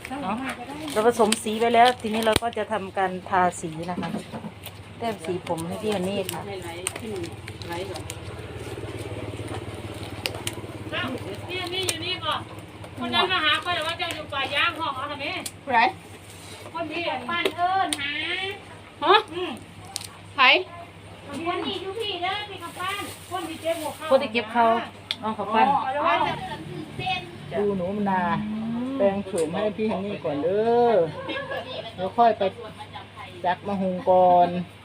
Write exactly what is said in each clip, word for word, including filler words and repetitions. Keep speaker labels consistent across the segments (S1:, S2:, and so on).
S1: เนาะเราผสมสีไปแล้ว ทีนี้เราก็จะทำการทาสีนะคะแต้มสีผมให้พี่ฮันนี่ค่ะ
S2: นี่นี่อยู่นี่ก่อนคนนั้นมาหาคนแต่ว่าจะอยู่ป่าย่างห้องเอาทำไมไรคนที่บ้านเอิญหาฮะไผ่คนนี้ทุกพี่เด้อพี่กับบ้านคนที่เก็บหัวเขา
S1: คนที่เก็บเขาน้องเขาปั้น
S3: ดูหนูมนาแปลงโฉมให้พี่ฮันนี่ก่อนเด้อแล้วค่อยไปจักมะฮุงก่อน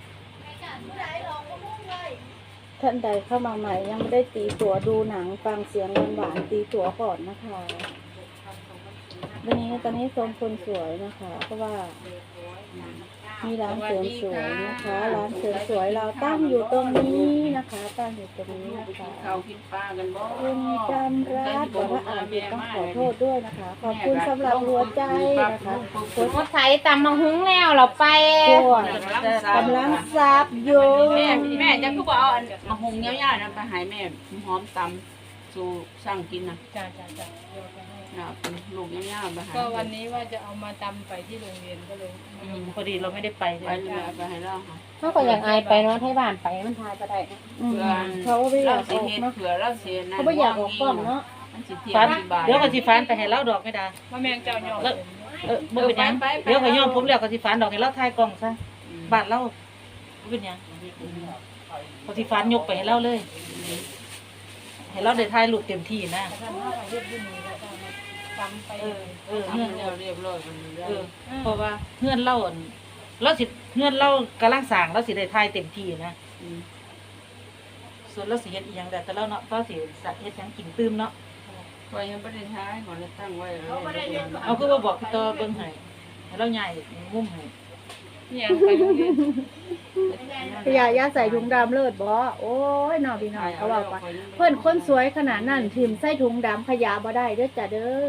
S4: ท่านใดเข้ามาใหม่ยังไม่ได้ตีตัวดูหนังฟังเสียงหวานๆตีตัวก่อนนะคะวันนี้ตอนนี้ทรงคนสวยนะคะ เพราะว่ามีร้านเสริมสวยนะคะร้านเสริมสวยเราตั้งอยู่ตรงนี้นะคะตั้งอยู่ตรงนี้นะคะคุณจำรัตน์บอกว่าอ่านผิดต้องขอโทษด้วยนะคะ ขอบคุณสำหรับหัวใจนะคะคุณ
S2: รถไถตำมาหุ้งแล้วเราไป
S4: ตัวกำลังซับอยู่
S5: แม่แม่จะคือบอกเอามาหุงเงี้ยวๆนะไปหายแม่หอมตำสู่สร้างกินนะ
S2: จ้าจ้าจ้า
S5: นะเป็นลูกเงี้ยวๆไปหาย
S2: ก็วันนี้ว่าจะเอามาตำไปที่โรงเรียนก็เลย
S1: อืมพอดีเราไม่ได้ไป
S5: ไปเลยไปหายแล้วค่ะ
S2: เขาก็อยากอายไปเนาะให้บ้านไปมันทายก็ได้
S4: อืม
S5: เผื่อ
S4: เขาไม่อยาก
S5: สิ
S4: ออก
S5: เฮ็ด
S4: เนาะ
S5: เผื่อเราเสียนะ
S4: เขาไม่อยากออกกล้องเนาะ
S5: มันสิเที่ย
S1: ฟัน
S5: วที่บ้าน
S1: เดี๋ยวก็สิฟันไปให้เล่าดอกไม่ได้
S2: ว่าแมงเจ้าหยอก
S1: แล้วเออบ่เป็นหยังเดี๋ยวก็ย่อมผมแล้วก็สิฟันดอกให้เล่าทายกล่องซะบาดเล่าบ่เป็นหยังก็สิฟันยกไปให้เล่าเลยให้เล่าได้ทายรูปเต็มที่นะ
S2: ตำไป
S1: เออเออ
S5: ทำ
S1: เงื่อน
S5: แล้วเรียบร้อยมันได้
S1: เออเพราะว่าเงื่อนเล่าอั่นเราสิเงื่อนเล่ากำลังสร้างเราสิได้ทายเต็มที่นะ
S5: ม
S1: ส่วนเราสิเฮ็ดอีหยังได้แต่เราเนาะเราสิเฮ็ดหยังกินตื้มเนาะ
S5: ไว้ยังไม่ได้ท้ายก่อนจะตั้งไว้แล้ว
S1: เอาคือว่าบอกพี่ต่อเบิ่งให้ให้เราใหญ่มุมให้
S2: เนี่ยไปโรงเรียน
S4: พยายาใส่ถุงดำเลิศบ่โอ้ยน้องพี่น้องเขาบอกว่าเพื่อนคนสวยขนาดนั้นถิ่มใส่ถุงดำขยะบ่ได้เด้อจ้ะเด้อ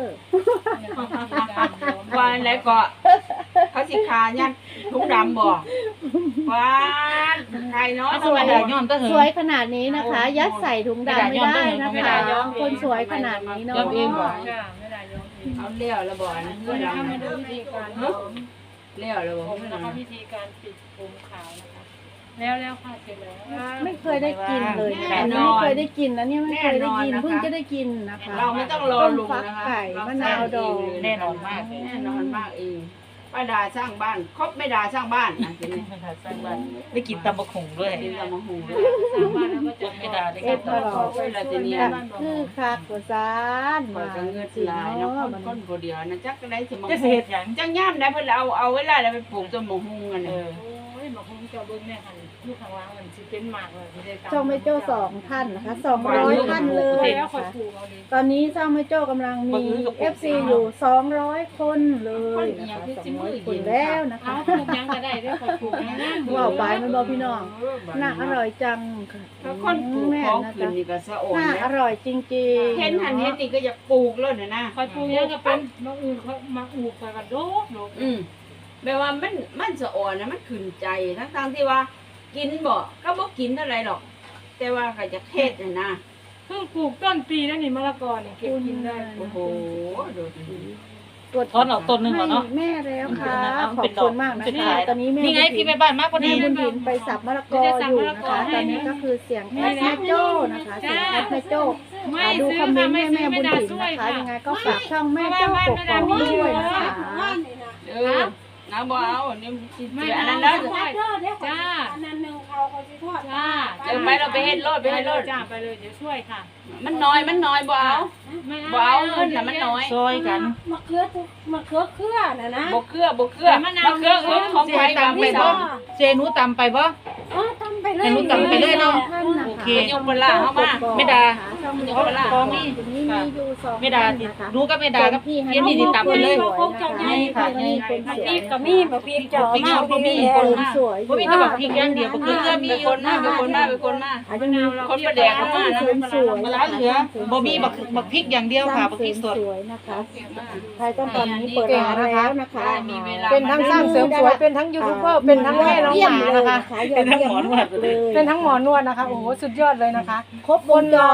S5: วันแล้วก็เขาสิขายันถุงดำบ่วันใครเนาะ
S1: เอาสวยได้ย้อนก็เห
S4: ส
S1: อะ
S4: วยขนาดนี้นะคะ ยัดใส่ถุงดำไม่ได้นะคะคนสวยขนาดนี้เนาะ
S2: จ้าไม่ได้ยอมเอง
S5: เอาเลี้ยวแล้วบ่นะ
S2: เพื่อนเขามาดูวิธีการผม
S5: เลี้ยวแล้วบ่
S2: ผมนะคะวิธีการปิดผมขาวนะคะแล้วแล้วค่ะเสร็จแล้ว
S4: ไม่เคยได้กินเลยนะคะไม่เคยได้กินนะเนี่ยไม่เคยได้กินเพิ่งจะได้กินนะคะ
S5: เราไม่ต้องรอลุง
S4: ฟัก
S5: นะคะ
S4: ไก่มะนาวดอง
S1: แน่นอนมาก
S5: แน่นอนมากเองป้าดาสร้างบ้านครบไม่ดาสร้างบ้านนะทีนี้
S1: สร้างบ้านได้กินตำบักหุ่งด้วย
S5: กินละมะฮู
S2: สร้างบ้านแล้วก็
S1: จ
S2: จะ
S1: นไม่ได้ได้
S4: เอ็
S1: กิ
S4: ด
S1: น
S4: ตลอด
S5: เวลาทีนี้
S4: คือคักกว่าซาน
S5: เปิ
S4: มา
S5: ดกันเงิน
S4: จริง
S5: ลายเนาะ
S4: เนาะ
S5: คนคนผู้เดียวนะจักได้สิมา
S1: จะสิเฮ็ดหยัง
S5: จังย่ามได้เพิ่นเอาเอาเวลาแล้วไปปลูกต้นมะฮูกัน
S1: เอ
S5: น่ะ
S1: อ
S2: โอ้ยมาคงจะเบิ้งแม่หันลูกข้างล่างมันสิเป็นหมากเลยที่ได้ตาม
S4: ช่องไม่โจ้สองท่านนะคะสองร้อยท่านเลย
S2: แล้ว
S4: นะ
S2: คอย
S4: คะ
S2: ปลูกเอาดิ
S4: ตอนนี้ช่องไม่โจ้กำลังมี เอฟ ซี อยู่สองร้อยคนเลยนะคะสองร้อยคนแล้วนะ
S2: เอา
S4: คะ
S2: ปลูกยังก็ได้ได้คอยปลูกยังนะ
S4: ว้าวไปมันบอกพี่น้องน่าอร่อยจังค่ะ
S5: ถ้าคนปลูก
S4: แม่
S5: ของ
S4: นะ
S5: คืน
S4: คะ
S5: นี่ก็สะโอน
S4: น่า
S5: นะ
S4: อร่อยจริงๆ
S5: เห็นหันเห็นนี่ก็อยากปลูกแล้วน่ะนะ
S2: คอยปลูกยังก็เป็นมาอูเขามาอูคอยกันโดดโดด
S5: อืมแปลว่ามันมันสะอ่อนนะมันขึ้นใจทั้งๆที่ว่า กินบ่ก็บ่กินเท่าไรหรอก แต่ว่าก็จะเทศน่ะนะ
S2: เพิ่งปลูกต้นปีแล้วนี่มะละกอนี่เก็บกินได้
S5: โอ้โหดูสิ
S4: กด
S1: ถอนออกต้นหนึงก่อนเนาะ
S4: ให้แม่แล้วค่ะ
S1: เอา
S4: ขอ
S1: เป็
S4: บ
S1: นดอก
S4: คุณมากนะ
S1: เป็น
S4: คะ
S1: ขาย
S4: ตอนนี้แม่
S1: นี่ไงพี่แม่บ้านมากพอดี
S4: แม่บุญถินไปสับมะละกออยู่นะคะตอนนี้ก็คือเสียงแอดแม่โจ้นะคะเสียงแอดแม่โจ้
S2: ไม่
S4: อ่าดู
S2: ซื้อ
S4: คอมเมนต์
S2: ไม่
S4: ให้
S2: ซื้
S4: แม่
S2: อ
S4: บุ
S2: ไม่
S4: ญ
S2: ได้
S4: ถิน
S2: ช่วย
S4: นะคะ
S2: ค่ะ
S4: ยังไงก็ฝากช่องแม่โจ้กกอกด้วยนะคะ
S5: เออน้าบ่เอาอันนี้สิ
S2: ไม่
S5: เจออัน
S2: เอา
S5: นั้นแล้ว
S2: จ้า
S6: อันนั้นหนึ่งเขาเขาจะทอด
S2: จ้า
S5: เดี๋ยวไปเราไปเฮ็ดโลดไป
S2: ไป
S5: เฮ็ด
S2: เล
S5: โล
S2: ย
S5: ด
S2: จ้าไปเลยเดี๋ยวช่วยค่ะ
S5: มันน้อยมันน้อยบ่เอา
S2: ไม่
S5: บ่เอาเงินน่ะมันน้อย
S1: ซอยกัน
S6: มะเขือทุกมะเขือเครือน่ะนะ
S5: บ่เกลือบ่เกลือมะเขือเอิ้นของไผก็ไม่
S1: บ่
S5: ต้อง
S1: เจหนูตำไปบ่
S6: อ๋อทำไปเลย
S1: ให้หนูตำไปเลยเนาะ
S4: ท่านนะ
S1: โอ
S4: คะ
S1: เค
S5: ยกเวลาเข้ามา
S1: ไม่ด่า
S4: ช่อง
S1: เพราะเพราะมี
S4: นี้มีอยู่สอง
S1: ไม่ด่า
S4: ท่น
S1: ที่
S4: นะคะ
S1: รู้ก็ไม่ด่ากับพี่เย็นนี่สิตำไปเลย
S4: นี่ค่ะนี่คนสวย
S6: พริกกับมีบะพริกเจ้ามา
S1: บ่มี
S4: คนสวย
S1: บ่มีแต่บักพริกอย่างเดียวบักเกลือมี
S5: เป็น
S1: อ
S5: ค
S1: ยู่
S5: นมาเป็นคนมาเป็นคนมา
S4: อาจจะมี
S5: คนประแดกเข้ามานะ
S4: คนสวย
S1: มะละเหลือบ่มีบักบักพริกอย่างเดียวค่ะบักพริกสด
S4: สวยนะคะใครต้องตอนนี้เปิดร้านแล้วนะคะ
S5: มีเวลา
S3: เป็นทั้งสร้างเสริมสวยเป็นทั้งยูทูบเบอร์เป็นทั้งแม่น้องหมานะคะ
S4: ยอดเยี่ยมมากเลย
S3: เป็นทั้งหมอนวดนะคะโอ้โหสุดยอดเลยนะคะ
S4: ครบวงจร
S3: ก็มีค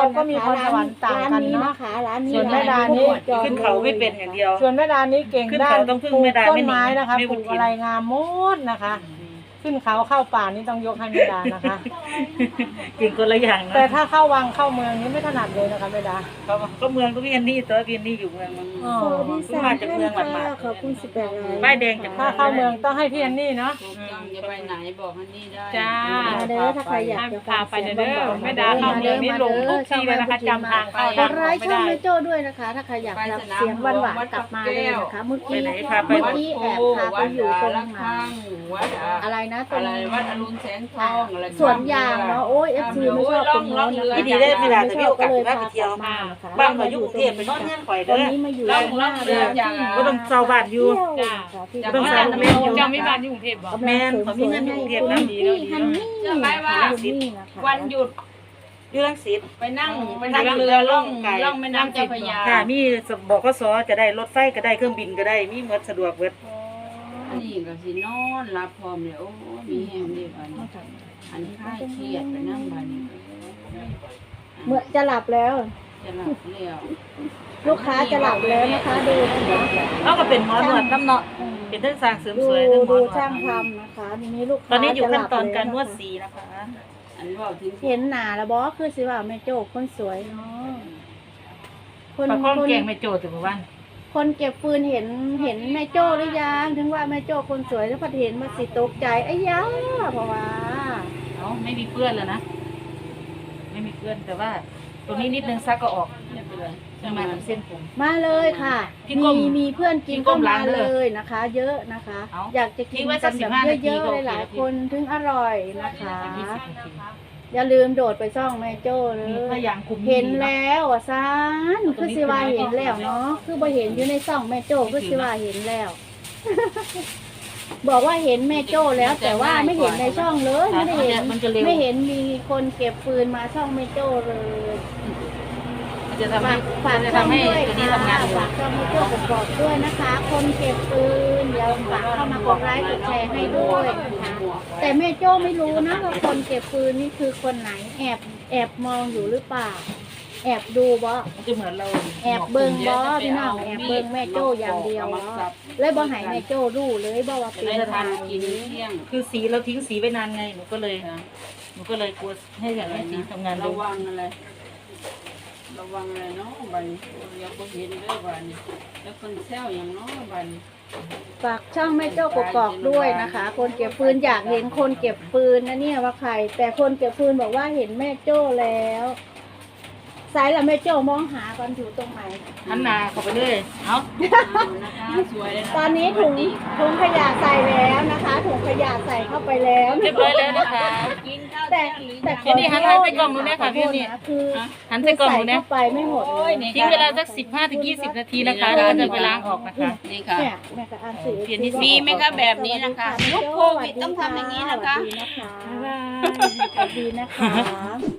S3: รสวรรค์ต่างกันเนาะ
S4: ร้ร้านนี้
S3: ส่วนแม่ดานี่
S1: ขึ้นเขาไม่เป็นอย่างเดียว
S3: ส่วนแม่ดานี่เก่ง
S1: ขึ้น
S3: ด้า
S1: เขา
S3: น
S1: ต้องพึ่ง
S3: ปลูก
S1: แม่ดา
S3: ต้
S1: ไม่
S3: น
S1: หนี
S3: ไม้นะคะ
S1: ไม่
S3: ป
S1: บุ
S3: ลู
S1: ญ
S3: ก
S1: กิน
S3: อะไรงามหมดนะคะ ขึ้นเขาเข้าป่านี่ต้องยกให้แม่ดานะคะ
S1: กินคนละอย่างนะ
S3: แต่ถ้าเข้าวังเข้าเมืองนี่ไม่ถนัดเลยนะคะแม่ดา
S1: เขาก็เมืองก็พี่อันนี่ตัวพี่อันนี่อยู่เมืองมัน
S3: อ๋อ
S4: สวัสดีสาม
S1: มาจากเมือง
S4: ท่าน
S1: หมาด
S4: ค่ะ
S1: ๆ
S4: ขอบคุณสิบแปดราย
S1: ป้ายแดงจาก
S3: ถ้าเข้าเมืองต้องให้พี่แอนนี่เนาะ
S5: ถูกต้องจะไปไหนบอกฮันนี่ได้
S2: จ้า
S4: มาเด้อถ้าใครอยากจะฟัง
S2: พาไป
S4: เสียง
S2: เด้อ
S4: หวานๆ
S2: แม่ดาเข้าเมืองนี่ลงทุกที่เลยนะคะจำทางเข้า
S4: กดไลค์ช่องแม่โจ้ด้วยนะคะ ถ้าใครอยากรับเสียงหวานๆกลับมาเลยนะคะ เมื่อกี้เมื่อกี้แอบพาไปอยู่ตรง
S5: วัด
S4: ไหน
S5: ข้างวัดอะ
S4: อะไรนะตร
S5: อะ
S4: ง
S5: ไรวัดอรุณแสงทองอะไร
S4: สวนยางเนาะโอ้ยเอฟซีไม่ชอบตรงนี้นะคะ
S1: ที่ดีได้เวลาจะมีโอกาส
S4: เลย
S1: ได้
S4: พา
S1: ไปเที่ยว
S4: มานะคะ
S1: บ้านเขาอยู่กรุงเทพไปนอนเงื่อนข่อย
S4: ต
S1: เด้
S4: อน
S1: อ
S4: นี้มาอยู่
S5: ล่อง
S4: ห
S5: ล่
S4: น้า
S5: อง
S4: เรื
S5: เรือ อ
S4: ที่
S5: อย่าง
S1: ก็ต้องเช่าบ้านอยู่
S4: เที่ยวนะคะที่
S5: จ้ะ
S4: กำลัง
S1: ต้องสร้าง
S2: เจ้ามีบ้านอยู่กรุงเทพบ่
S4: กำลัง
S1: แม่นเขามีเงินอยู่กรุงเทพนะ
S4: พี่ฮันนี่
S5: เชื่อไหมว่า
S4: คุณนี่นะคะ
S5: วันหยุด
S1: อยู่รังสิต
S5: ไปนั่งไปนั่งเรือล่องล่องแม่น้ำเจ้าพระยา
S1: ค่ะมีบอกก็สอจะได้รถไฟก็ได้เครื่องบินก็ได้มีหมดสะดวกเบิด
S5: อันนี้ก็สินอนรับพร้อมเลยโอ้มีแห้งดีบัดนี้อันนี้คลายเครียดไปนั่งบัดนี้
S4: เมื่อจะหลับแล้ว
S5: จะหลับแล้ว
S4: ลูกค้าจะหลับแล้วนะคะดูนะคะ
S1: เขาก็เป็นหมอหนวดน้ำเนาะเป็นทั้งสร้างเสริม
S4: ดู
S1: สวยทั้งหมอ
S4: ดู
S1: หนวด
S4: ช่างทำนะคะทีนี้ลูกค้า
S1: ตอนนี้อยู่ขั้นตอน
S4: จะหลับ
S1: การนวด
S4: แล้ะคะ
S1: สีนะคะ
S5: อันว่าถึง
S4: เห็นหนาแล้วบอคือสิว่าแม่โจ้คนสวยเนาะคน
S1: ปลาข้อง
S4: คน
S1: แกงไม่โจทย์ถึงบ้าน
S4: คนเก็บฟืนเห็นเห็นแม่โจ้หรือยังถึงว่าแม่โจ้คนสวยแล้วพอเห็นมาสิตกใจไอ้ยาเพราะว่า
S1: เอ้าไม่มีเปื้อนแล้วนะไม่มีเปื้อนแต่ว่าตรงนี้นิดนึงซักก็ออก
S5: ไม่เป็นไร
S1: ประมาณเส้นผม
S4: มาเลยค่ะ
S1: พี่ก้
S4: มี
S1: ม
S4: มีเพื่อนกิน
S1: พี่ก้
S4: ก็
S1: ม
S4: มา
S1: ล้างเด้
S4: เล
S1: อ
S4: ยนะคะ เยอะนะคะ
S1: เอา
S4: อยากจะกิ
S1: ทิ้
S4: น
S1: งไว้
S4: กั
S1: สั
S4: น
S1: ก
S4: แบบ
S1: สิบห้านาที
S4: เยอะ
S1: ก็
S4: ๆ
S1: โอเค
S4: หลาย
S1: แล้ว
S4: ๆคนถึงอร่อยนะคะ
S1: ยี่สิบนาที
S4: อย่าลืมโดดไปช่องแม่โจ้เล
S1: มี
S4: ย
S1: พยางคุม
S4: เห็นแล้วอ่ะซานคือสิว่าเห็นแล้วเนาะคือบ่เห็นอยู่ในช่องแม่โจ้คือสิว่าเห็นแล้ว บอกว่าเห็นแม่โจ้แล้ว แต่ว่าไม่เห็นในช่องเลยไม่ได้เห็น
S1: มันจะเร็ว
S4: ไม่เห็นมีคนเก็บฟืนมาช่องแม่โจ้เลย
S1: มันจะทำให้
S4: ฝาก
S1: จะ
S4: ช่อง
S1: ทำให้
S4: ด้วย
S1: ตัวนี้
S4: ค่ะ
S1: ทำงานเร็ว
S4: ฝากช่องแม่โจ้กบอกด้วยนะคะ คนเก็บฟืนเดี๋ยวฝากเข้ามากดไลค์กดแชร์ให้ด้วยนะคะแต่แม่โจ้ไม่รู้นะว่าคนเก็บฟืนนี่คือคนไหนแอบแอบมองอยู่หรือเปล่า แอบดูบ่
S1: มันจะเหมือนเรา
S4: แอบเบิ่งบ่พี่น้องแอบเบิ่งแม่โจ้อย่างเดียวบ่เลยบ่ให้แม่โจ้รู้เลยบ่ว่า
S5: จะ
S4: เป็น
S5: ได้
S4: ใคร
S5: ทานกินเที่ยง
S1: คือสีเราทิ้งสีไว้นานไงหนูก็เลยหนูก็เลยกลัวให้อย่างนี้สีทำงาน
S5: ระ
S1: เร็ว
S5: วังอะไร ระวังอะไรเนาะบัดนเดี๋ยวก็เห็นเด้อบัดนแล้วคนแซวอย่างเนาะบัดน
S4: ฝากช่องแม่โจ้กกอกด้วยนะคะ คนเก็บฟืนอยากเห็นคนเก็บฟืนนะเนี่ยว่าใคร แต่คนเก็บฟืนบอกว่าเห็นแม่โจ้แล้วสายละแม่โจ้มองหากันอยู่ตรงไหน
S1: หันหน้าเข้าไปเลยเอา
S5: นะคะสวยเลยะ
S4: ตอนนี้ถุงถุงขยะใส่แล้วนะคะถุงขยะใส่เข้าไปแล้ว
S1: เรียบร้อยแล้วนะคะ
S5: กินข้าว
S4: แต่
S5: เที่ยงหรือ
S4: แต่
S5: ยัง
S1: นี่หันใส่กล่องหนูเนี่ยค่ะพี่นี่
S4: คือ
S1: หันใส่กล่องหนู
S4: ใส่
S1: เนี่ย
S4: เข้าไปไม่หมดเลย
S1: ทิ้งเวลาสักสิบห้าถึงยี่สิบนาทีนะคะแล้วก็จะไปล้างออกนะคะ
S5: นี่ค่ะ
S4: เนี่ยแม่ก็อ่านสื่อ
S1: เปลี่ยนนิด
S5: มีไหมคะแบบนี้นะคะยุคโควิดต้องทำอย่างนี้นะคะ
S4: สวัสดีนะคะสวัสดีนะคะ